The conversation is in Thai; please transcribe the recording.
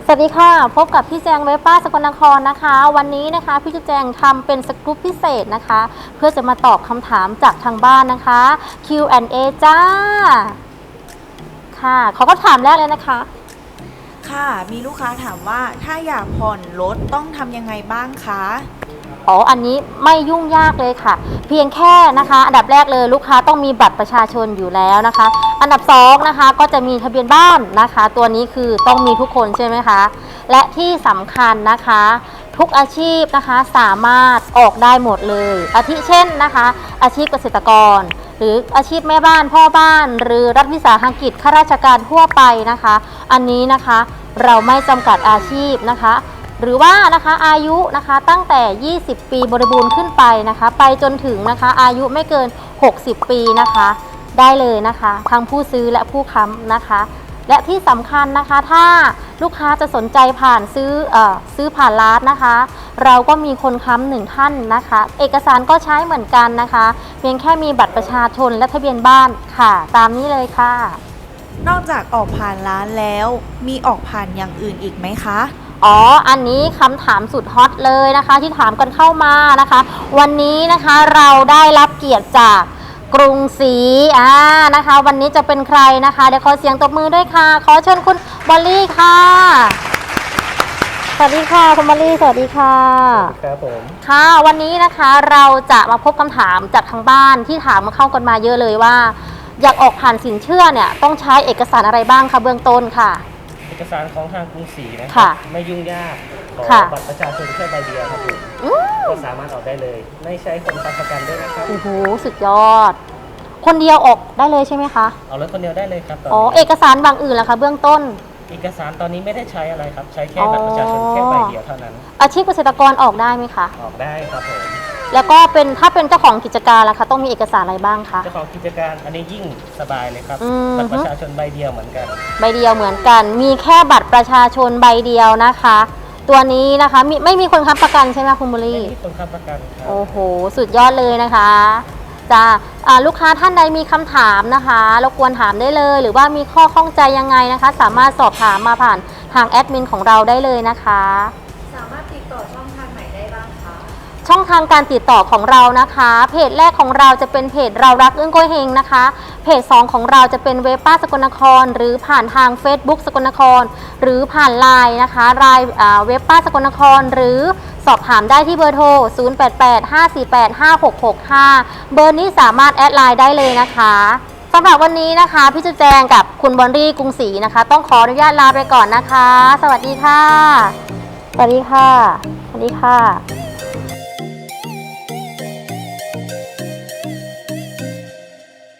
วัสดีค่ะพบกับพี่แจงเวป้าสกลนครนะคะวันนี้นะคะพี่แจงทำเป็นสกู๊ปพิเศษนะคะเพื่อจะมาตอบคำถามจากทางบ้านนะคะ Q&A จ้าค่ะเขาก็ถามแรกเลยนะคะค่ะมีลูกค้าถามว่าถ้าอยากผ่อนรถต้องทำยังไงบ้างคะอันนี้ไม่ยุ่งยากเลยค่ะเพียงแค่นะคะอันดับแรกเลยลูกค้าต้องมีบัตรประชาชนอยู่แล้วนะคะอันดับ2นะคะก็จะมีทะเบียนบ้านนะคะตัวนี้คือต้องมีทุกคนใช่ไหมคะและที่สำคัญนะคะทุกอาชีพนะคะสามารถออกได้หมดเลยอาทิเช่นนะคะอาชีพเกษตรกรหรืออาชีพแม่บ้านพ่อบ้านหรือรัฐวิสาหกิจข้าราชการทั่วไปนะคะอันนี้นะคะเราไม่จำกัดอาชีพนะคะหรือว่านะคะอายุนะคะตั้งแต่ 20 ปีบริบูรณ์ขึ้นไปนะคะไปจนถึงนะคะอายุไม่เกิน 60 ปีนะคะได้เลยนะคะทั้งผู้ซื้อและผู้ค้ำนะคะและที่สำคัญนะคะถ้าลูกค้าจะสนใจผ่านซื้อผ่านร้านนะคะเราก็มีคนค้ำ1ท่านนะคะเอกสารก็ใช้เหมือนกันนะคะเพียงแค่มีบัตรประชาชนและทะเบียนบ้านค่ะตามนี้เลยค่ะนอกจากออกผ่านร้านแล้วมีออกผ่านอย่างอื่นอีกไหมคะอันนี้คำถามสุดฮอตเลยนะคะที่ถามกันเข้ามานะคะวันนี้นะคะเราได้รับเกียรติจากกรุงศรีนะคะวันนี้จะเป็นใครนะคะเดี๋ยวขอเสียงตบมือด้วยค่ะขอเชิญคุณบอลลี่ค่ะสวัสดีค่ะคุณบอลลี่สวัสดีค่ะครับผมค่ะวันนี้นะคะเราจะมาพบคำถามจากทางบ้านที่ถามมาเข้ากันมาเยอะเลยว่าอยากออกผ่านสินเชื่อเนี่ยต้องใช้เอกสารอะไรบ้างคะเบื้องต้นค่ะเอกสารของทางกรุงศรีนะครับไม่ยุ่งยากขอบัตรประชาชนแค่ใบเดียวครับผมก็สามารถออกได้เลยไม่ใช้คนค้ำประกันด้วยนะครับโอ้โหสุดยอดคนเดียวออกได้เลยใช่ไหมคะเอารถคนเดียวได้เลยครับเอกสารบางอื่นล่ะคะเบื้องต้นเอกสารตอนนี้ไม่ได้ใช้อะไรครับใช้แค่บัตรประชาชนแค่ใบเดียวเท่านั้นอาชีพเกษตรกรออกได้ไหมคะออกได้ครับผมแล้วก็ถ้าเป็นเจ้าของกิจการล่ะคะต้องมีเอกสารอะไรบ้างคะเจ้าของกิจการอันนี้ยิ่งสบายเลยครับบัตรประชาชนใบเดียวเหมือนกันใบเดียวเหมือนกันมีแค่บัตรประชาชนใบเดียวนะคะตัวนี้นะคะไม่มีคนค้ำประกันใช่ไหมคุณบุรีไม่มีคนค้ำประกันครับโอ้โหสุดยอดเลยนะคะจ้าลูกค้าท่านใดมีคำถามนะคะรบกวนถามได้เลยหรือว่ามีข้อข้องใจยังไงนะคะสามารถสอบถามมาผ่านทางแอดมินของเราได้เลยนะคะสามารถติดต่อช่องทางไหนได้บ้างคะช่องทางการติดต่อของเรานะคะเพจแรกของเราจะเป็นเพจเรารักอึ้งโกยเฮงนะคะเพจ2ของเราจะเป็นเว็บป้าสกลนครหรือผ่านทาง Facebook สกลนครหรือผ่านไลน์นะคะไลน์เว็บป้าสกลนครหรือสอบถามได้ที่เบอร์โทร 0885485665 เบอร์นี้สามารถแอดไลน์ได้เลยนะคะสำหรับวันนี้นะคะพี่จุแจงกับคุณบอลลี่กรุงศรีนะคะต้องขออนุญาตลาไปก่อนนะคะสวัสดีค่ะสวัสดีค่ะสวัสดีค่ะ